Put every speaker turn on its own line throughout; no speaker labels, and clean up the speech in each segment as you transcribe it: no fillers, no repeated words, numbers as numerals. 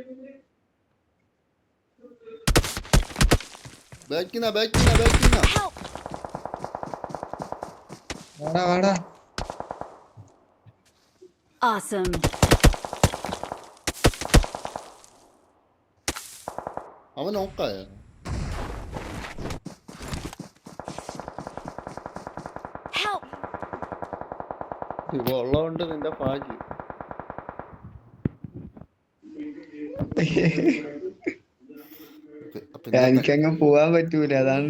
ബാക്കിനാ
Help!
വാടാ.
Awesome.
അവൻ നോക്കായ
Help!
ഇവ ഉള്ളതുകൊണ്ട് നിന്റെ ഭാഗ്യം. അപ്പൊ ഇന്നത്തെ
എനിക്കങ്ങ് പോവാൻ പറ്റൂല, അതാണ്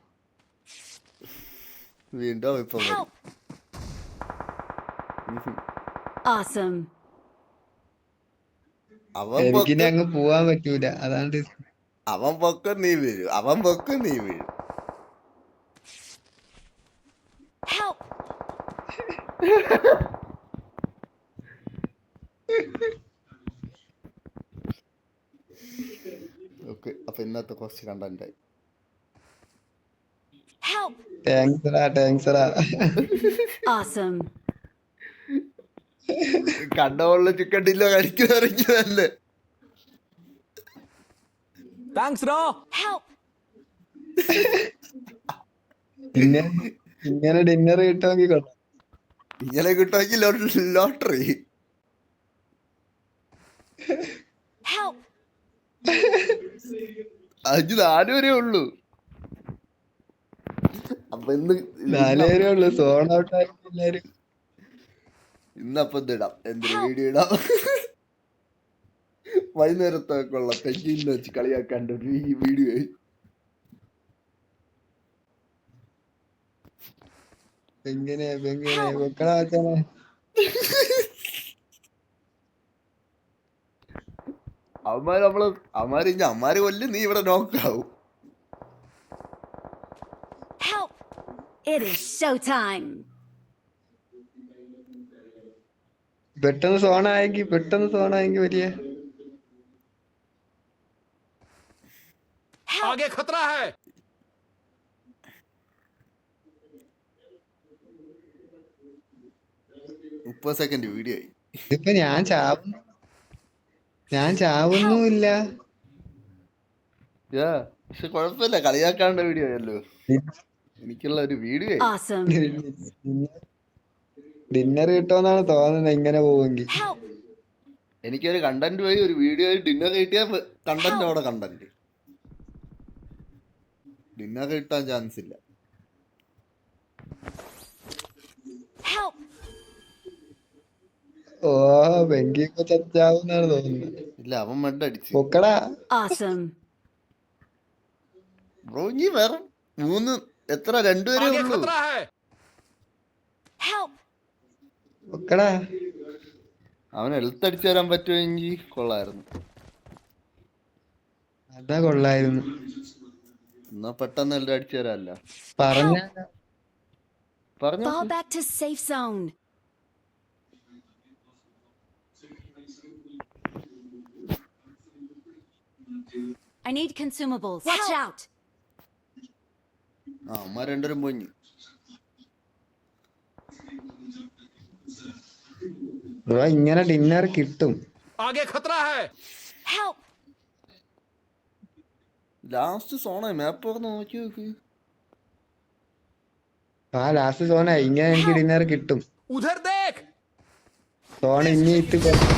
വീണ്ടും ഇപ്പൊ വരും.
Help! Awesome.
അവൻ
എനിക്കിനി
പൊക്കും
അങ്ങ് പോവാൻ പറ്റൂല, അതാണ്
അവൻ പൊക്കും നീ വീഴും.
Help!
ഓക്കെ, അപ്പൊ ഇന്നത്തെ കുറച്ച് കണ്ടന്റായി.
Help!
താങ്ക്സ്.
Awesome.
കണ്ടവള് ചിക്കൻ ഡില്ലോ കഴിക്കുന്നല്ലേ.
Help!
ഇങ്ങനെ ഡിന്നർ കിട്ടുമെങ്കിൽ കൊള്ളാം.
ഇങ്ങനെ കിട്ടുമെങ്കിൽ ലോട്ടറി.
Help!
4 വരെ ഉള്ളൂ. അപ്പൊ
നാലുപേരേ ഉള്ളു, സോൺ ഔട്ട് ആയി എല്ലാരും.
ഇന്നപ്പൊ ഇടാം, എന്തൊരു വീഡിയോ ഇടാം. വൈകുന്നേരത്തേക്കുള്ള പെഞ്ചിന്ന് വെച്ച് കളിയാക്കാണ്ട് ഈ വീഡിയോ.
എങ്ങനെ വെക്കടാ വെച്ചാണ്.
അവന്മാര് കൊല്ലും, നീ ഇവിടെ നോക്കാവും.
Help! It is showtime.
പെട്ടെന്ന് സോണായെങ്കിൽ വലിയ
Help!
खतरा है.
30 സെക്കൻഡ് വീഡിയോ ആയി.
ഇതിപ്പോ ഞാൻ ചാവുന്നുമില്ല.
പക്ഷെ കുഴപ്പമില്ല, കളിയാക്കാണ്ട വീഡിയോ ആയല്ലോ. എനിക്കുള്ള ഒരു വീഡിയോ ആയി.
Awesome.
ഡിന്നർ കിട്ടുമെന്നാണ് തോന്നുന്നത് ഇങ്ങനെ പോവെങ്കിൽ.
Help!
എനിക്കൊരു കണ്ടന്റ് പോയി, ഒരു വീഡിയോ ആയി ഡിന്നർ കിട്ടിയ കണ്ടന്റ് അവിടെ കണ്ടന്റ്. ഡിന്നർ കിട്ടാൻ ചാൻസ് ഇല്ല.
Help!
ഓ വെങ്കി ഇപ്പൊ ചച്ചാവുന്നാണ് തോന്നുന്നത്.
ഇല്ല, അവൻ മഡ് അടിച്ചു.
പൊക്കടാ.
Awesome.
ബ്രോ ഇനി വേറെ 3 എത്ര 2 വരെ ഉള്ളൂ.
खतरा है.
Help!
പൊക്കടാ.
അവൻ ഹെൽത്ത് അടിച്ചു തരാൻ പറ്റുമെങ്കിൽ കൊള്ളായിരുന്നു.
അതാ കൊള്ളായിരുന്നു.
എന്നാ പെട്ടെന്ന് എല്ലാം അടിച്ചു തരാല്ല.
പറഞ്ഞ
Fall back to safe zone. I need consumables. Watch out!
അമ്മ രണ്ടുപേരും പോഞ്ഞു.
ബ്രോ ഇങ്ങനെ ഡിന്നർ കിട്ടും.
आगे खतरा है.
Help!
ലാസ്റ്റ് സോണ മാപ്പ് തുറന്ന് നോക്കി നോക്ക്.
ആ ലാസ്റ്റ് സോണ ഇങ്ങനെ എനിക്ക് ഡിന്നർ കിട്ടും.
उधर देख.
സോണ ഇനി ഇട്ട്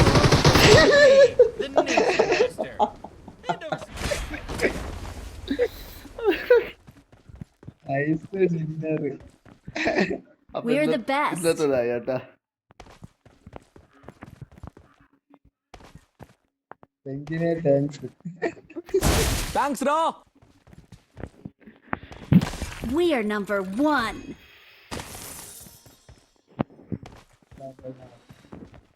ഡിന്നർ.
We're the best.
ഇന്നത്തതായി കേട്ടാ.
വെങ്കിനെ thanks.
Thanks ro.
We are number 1.